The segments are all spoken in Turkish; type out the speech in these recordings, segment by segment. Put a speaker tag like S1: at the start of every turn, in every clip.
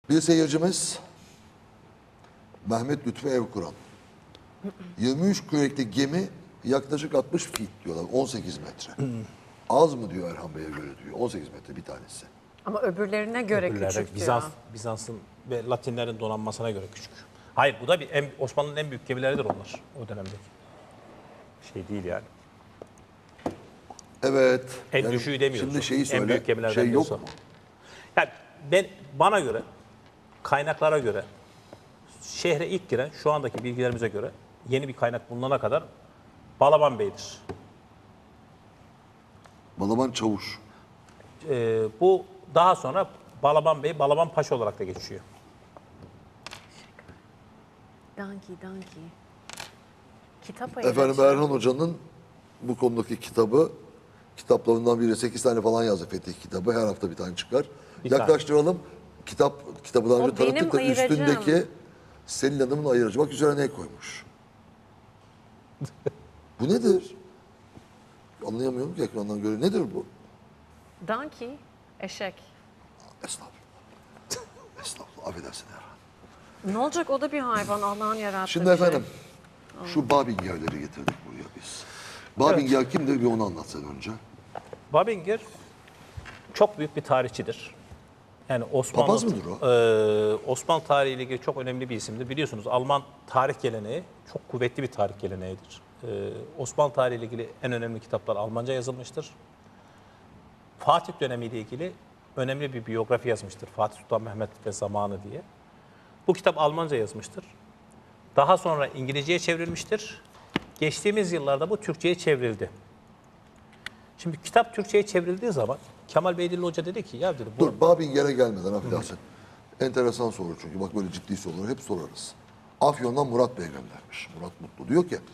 S1: Bir seyircimiz Mehmet Lütfü Evkuran. 23 kürekli gemi yaklaşık 60 feet diyorlar. 18 metre. Az mı diyor Erhan Bey'e göre diyor. 18 metre bir tanesi.
S2: Ama öbürlerine göre küçük diyor.
S3: Bizans'ın ve Latinlerin donanmasına göre küçük. Hayır, bu da Osmanlı'nın en büyük gemileridir onlar o dönemdeki. Şey değil yani.
S1: Evet.
S3: En düşüğü demiyoruz.
S1: Şimdi şeyi söyle.
S3: En büyük gemilerden
S1: Şey yok
S3: diyorsa.
S1: mu?
S3: Yani bana göre, kaynaklara göre, şehre ilk giren, şu andaki bilgilerimize göre yeni bir kaynak bulunana kadar Balaban Bey'dir.
S1: Balaban Çavuş.
S3: Bu daha sonra Balaban Bey, Balaban Paşa olarak da geçiyor.
S2: Donkey. Kitap
S1: Efendim Erhan Hoca'nın bu konudaki kitaplarından biri 8 tane falan yazdı Fetih kitabı. Her hafta bir tane çıkar. Yaklaştıralım. Kitabı daha önce
S2: O benim
S1: tanıttık da
S2: ayıracağım.
S1: üstündeki Selin Hanım'ın ayırıcı. Bak üzerine ne koymuş? Bu nedir? Anlayamıyorum ki ekrandan göre. Nedir bu?
S2: Donkey, eşek.
S1: Estağfurullah. Estağfurullah. Affedersin Erhan.
S2: Ne olacak, o da bir hayvan, Allah'ın yarattığı
S1: Şimdi
S2: bir
S1: efendim, şu Babinger'leri getirdik buraya biz. Babinger kimdir bir onu anlatsan önce.
S3: Babinger çok büyük bir tarihçidir. Yani
S1: Papaz mıdır o?
S3: Osmanlı tarihiyle ilgili çok önemli bir isimdir. Biliyorsunuz Alman tarih geleneği çok kuvvetli bir tarih geleneğidir. Osmanlı tarihiyle ilgili en önemli kitaplar Almanca yazılmıştır. Fatih dönemiyle ilgili önemli bir biyografi yazmıştır. Fatih Sultan Mehmet ve Zamanı diye. Bu kitap Almanca yazmıştır. Daha sonra İngilizceye çevrilmiştir. Geçtiğimiz yıllarda bu Türkçe'ye çevrildi. Şimdi kitap Türkçe'ye çevrildiği zaman Kemal Beydilli Hoca dedi ki ya dedi bu
S1: Dur Babinger'e gelmeden affedersin. Enteresan soru çünkü bak böyle ciddi soruları hep sorarız. Afyon'dan Murat Bey göndermiş. Murat Mutlu diyor ki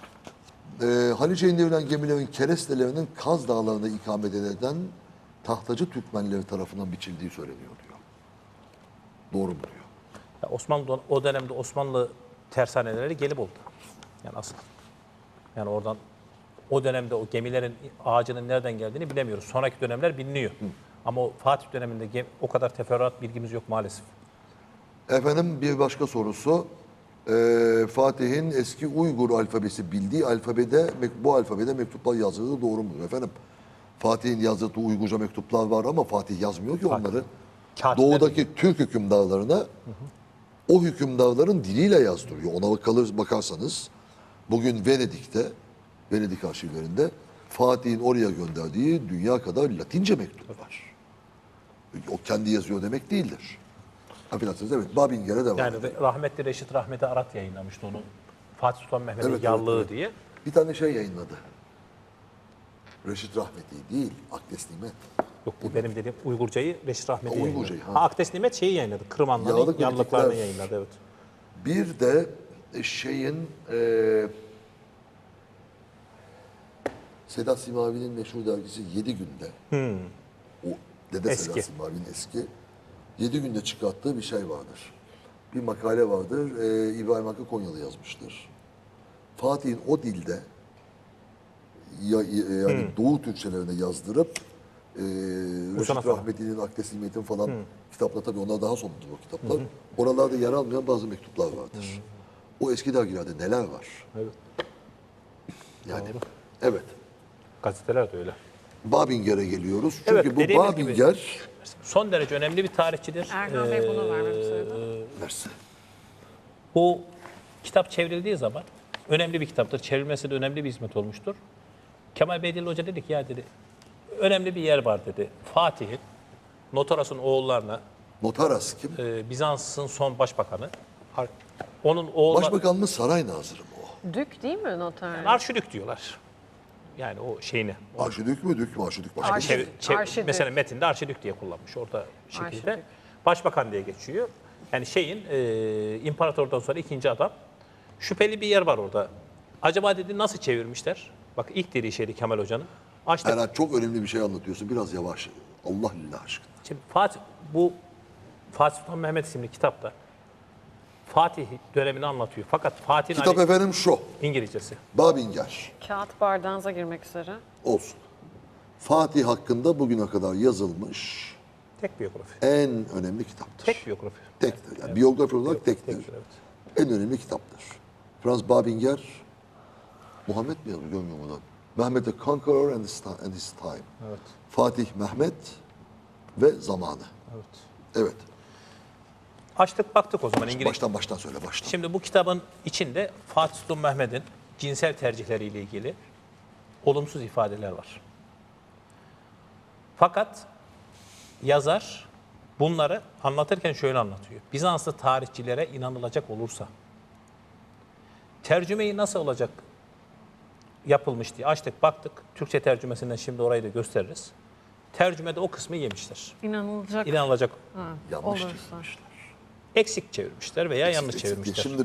S1: Haliç'e indirilen gemilerin kerestelerinin Kaz Dağları'nda ikamet eden tahtacı Türkmenleri tarafından biçildiği söyleniyor diyor. Doğru mu diyor?
S3: ya Osmanlı o dönemde Osmanlı tersaneleri Gelibolu'da. Yani asıl. Yani oradan o dönemde o gemilerin ağacının nereden geldiğini bilemiyoruz. Sonraki dönemler biliniyor. Ama o Fatih döneminde o kadar teferruat bilgimiz yok maalesef.
S1: Efendim bir başka sorusu. Fatih'in eski Uygur alfabesi bildiği alfabede bu alfabede mektuplar yazdığı doğru mudur efendim? Fatih'in yazdığı Uygurca mektuplar var ama Fatih yazmıyor ki onları.
S3: Katipler
S1: Doğudaki Türk hükümdarlarına o hükümdarların diliyle yazdırıyor. Ona bakarsanız bugün Venedik arşivlerinde Fatih'in oraya gönderdiği dünya kadar Latince mektup var. O kendi yazıyor demek değildir. Affedersiniz evet Babinger'e devam
S3: Yani
S1: edelim.
S3: rahmetli Reşit Rahmeti Arat yayınlamıştı onu. Fatih Sultan Mehmet'in
S1: Evet,
S3: yallığı
S1: evet.
S3: diye.
S1: Bir tane şey yayınladı. Reşit Rahmeti değil, Akdes Nimet.
S3: Yok bu benim dediğim Uygurcayı Reşit Rahmeti yayınladı.
S1: Uygurcayı, ha.
S3: Akdes Nimet şeyi yayınladı. Kırım
S1: Yağlı
S3: Anları'nın
S1: kritikler.
S3: yallıklarını yayınladı evet.
S1: Bir de Sedat Simavi'nin meşhur dergisi 7 Günde. O Dede
S3: Eski.
S1: Sedat Simavi'nin eski. 7 Günde çıkarttığı bir şey vardır. Bir makale vardır. İbrahim Hakkı Konyalı yazmıştır. Fatih'in o dilde yani Doğu Türkçelerine yazdırıp Reşit
S3: falan.
S1: Rahmeti'nin, Akdes Nimet'in falan kitaplar tabii onlar daha sonradır o kitaplar. Oralarda yer almayan bazı mektuplar vardır. O eski dergilerde neler var?
S3: Evet.
S1: Yani
S3: Doğru.
S1: evet.
S3: Gazeteler de öyle.
S1: Babinger'e geliyoruz. Çünkü
S3: Evet,
S1: bu
S3: dediğimiz gibi-
S1: Babinger
S3: Son derece önemli bir tarihçidir.
S2: Erhan Bey bunu vermemi söyledi.
S1: Mersi.
S3: Bu kitap çevrildiği zaman önemli bir kitaptır. Çevrilmesi de önemli bir hizmet olmuştur. Kemal Beydilli Hoca dedi ki ya dedi önemli bir yer var dedi. Fatih'in, Notaras'ın oğullarına,
S1: Notaras kim?
S3: Bizans'ın son başbakanı, onun oğulları,
S1: Başbakan mı saray nazırı mı o?
S2: Dük değil mi noter?
S3: arşidük diyorlar. Yani o şeyini.
S1: Arşidük mü dük mü? Arşidük başka.
S2: Arşidük.
S3: Mesela metinde arşidük diye kullanmış orada şekilde.
S2: Arşidük.
S3: Başbakan diye geçiyor. Yani imparatordan sonra ikinci adam. Şüpheli bir yer var orada. Acaba dedi nasıl çevirmişler? Bak ilk dediği şeydi Kemal Hoca'nın. Açtık.
S1: Erhan çok önemli bir şey anlatıyorsun. Biraz yavaş. Allah lillah aşkına.
S3: Şimdi Fatih Sultan Mehmet isimli kitapta Fatih dönemini anlatıyor. Fakat Fatih'in
S1: Kitap efendim şu.
S3: İngilizcesi.
S1: Babinger.
S2: Kağıt bardağınıza girmek üzere.
S1: Olsun. Fatih hakkında bugüne kadar yazılmış
S3: Tek biyografi.
S1: En önemli kitaptır.
S3: Tek biyografi.
S1: Tektir. Yani biyografi olarak tektir.
S3: Tektir, evet.
S1: En önemli kitaptır. Franz Babinger, Muhammed mi yazıyor görmüyor musun? Mehmet the Conqueror and his Time.
S3: Evet.
S1: Fatih Mehmet ve Zamanı.
S3: Evet.
S1: Evet.
S3: Açtık baktık o zaman İngiliz.
S1: Baştan söyle baştan.
S3: Şimdi bu kitabın içinde Fatih Sultan Mehmet'in cinsel tercihleriyle ilgili olumsuz ifadeler var. Fakat yazar bunları anlatırken şöyle anlatıyor. Bizanslı tarihçilere inanılacak olursa tercümeyi nasıl olacak yapılmış diye açtık baktık. Türkçe tercümesinden şimdi orayı da gösteririz. Tercümede o kısmı yemişler.
S2: İnanılacak
S3: İnanılacak
S1: Yanlış
S2: olursa.
S1: çevirmişler.
S3: eksik çevirmişler veya yanlış
S1: Eksik diye.
S3: çevirmişler.
S1: Şimdi